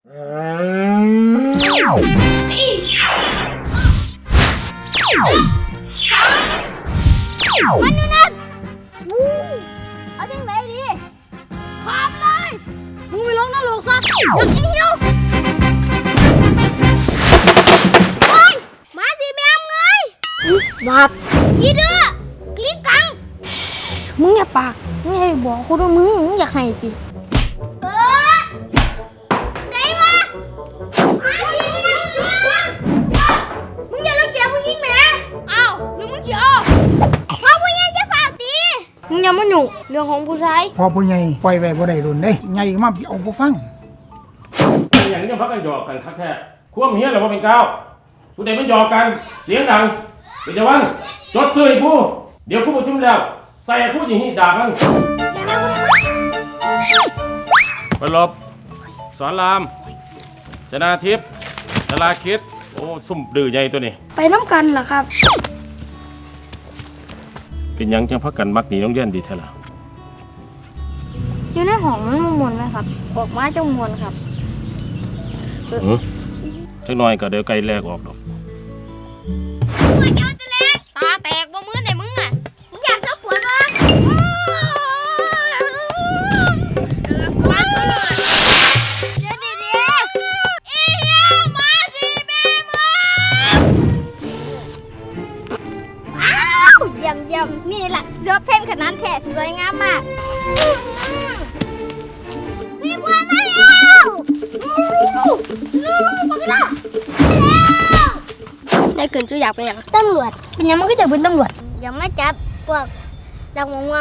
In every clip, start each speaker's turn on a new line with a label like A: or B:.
A: มันอยู่นั่นเอาจังไรดีขามเลยมึงไปลงนรกซะอยากหิวโอ้ยมาสิแม่มเลยบาปยี่เด้อกลิ้งกังมึงอย่าปากมึงอย่าบอกคนว่ามึงอยากให้ติได้มามึงอย่าละเกียจมึงยิงแม่อ้าวหรือมึงเขียวพ่อผู้ใหญ่จะฝากตีมึงอย่ามาหยุ่งเรื่องของผู้ชาย
B: พอผู้ใหญ่ปล่อยไว้บ่ได้รุ่นเด้ใหญ่มาสิเอาบ่ฟัง
C: อย่างนี้พักกันหยอกกันคักแท้ควมเฮียหรือว่าเป็นก้าวผู้ใดมันหยอกกันเสียงดังเป็นจะวันจดซื้อผู้เดี๋ยวผู้ประชุมแล้วใส่ผู้หญิงด่ามันไปลบสอนรามชนาทิพย์ชลาคิดโอ้ซุ่มดื้อใหญ่ตัวนี้
A: ไปน้ำกันเหรอครับ
C: เป็นยังจังพักกันมักหนีโรงเรียนดีแท้ล่ะ
A: อยู่ในห้องมันมวนไหมครับออกมาจะมวนครับ
C: จังน้อยก็เดี๋ยวไกลแลกออกดอก
A: มือเจ้าจะแลกตาแตกบ่มือไหนมึงอ่ะมึงอยากเสาปวดวะเยี่ยมนี่แหละเสื้อเพ่นขนาดแท้สวยงามมากมีบัวมาแล้วได้เกินจูอยากไปอย่างตำรวจเป็นยังมันก็จะเป็นตำรวจอย่ามาจับพวกดักมง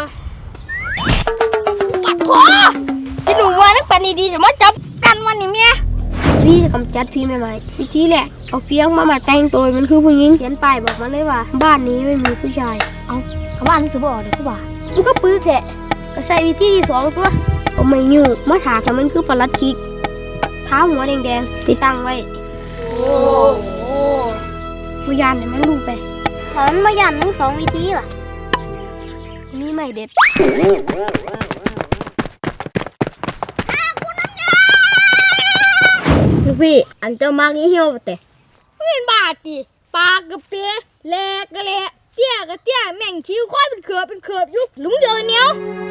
A: ปัดคอที่หนูว่านักปันดีๆจะมาจับกันวันนี้เมียพี่จะกำจัดพี่ใหม่ๆวิธีแหละเอาเฟี้ยงมาแต่งตัวมันคือผู้หญิงเขียนป้ายบอกมาเลยว่าบ้านนี้ไม่มีผู้ชายเอาบ้านคือบอกเด็กกูว่ามันก็ปื้อแหละก็ใส่วิธีที่สองตัวเอาไม่ยืดมาถากแต่มันคือปลัดคิกเท้าหัวแดงๆไปตั้งไว้โอ้โหพยานเนี่ยมันดูไปแต่มันพยานทั้งสองวิธีว่ะนี่ไม่เด็ดลูกพี่อันเจ้ามากนี่เหี่ยวแต่ไม่เป็นบาดดิปากกับเตี้ยแหลกก็แหลกเตี้ยกับเตี้ยแม่งคิ้วค่อยเป็นเขือบยุกลุงเดินเนี้ย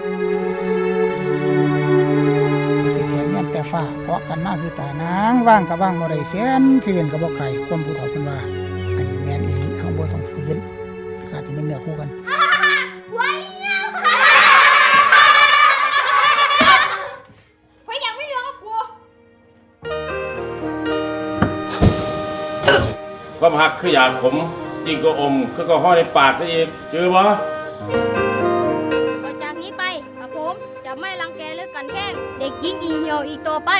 B: แขนแม่นแต่ฟ้าเพราะกันมากคือตานางว่างกับว่างบ่ได้แสนคือเห็นกับบ่ไกลความผู้เฒ่าเพิ่นว่าอันนี้แม่นอีหลีเขาบ่ต้องฝืนขาดที่มันเนื้อคู่กัน
C: ความหักคืออยากขมยิ่งก็อมคือก็ห้อยในปากซะอีกเจอบ่
A: ต่อจากนี้ไปกับผมจะไม่รังแกหรือกันแกล้งเด็กหญิงอีเหี่ยวอีกต่อไป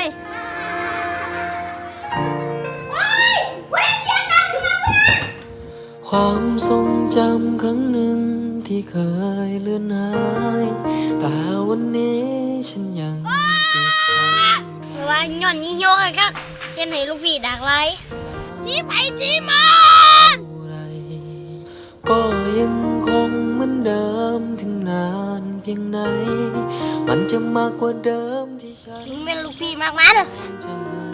D: ความทรงจำครั้งหนึ่งที่เคยเลือนหายแต่วันนี้ฉันยังเก็บไว้
A: ว่าย่อนนี้เหี่ยวครับเห็นให้ลูกพี่ดักไล่ที่ไปที่มัน
D: ก็ยังคงเหมือนเดิมถึงนานเพียงไหนมันจะมากกว่าเดิมที่ฉัน
A: มึงเป็นลูกพี่มากมัน
D: จะ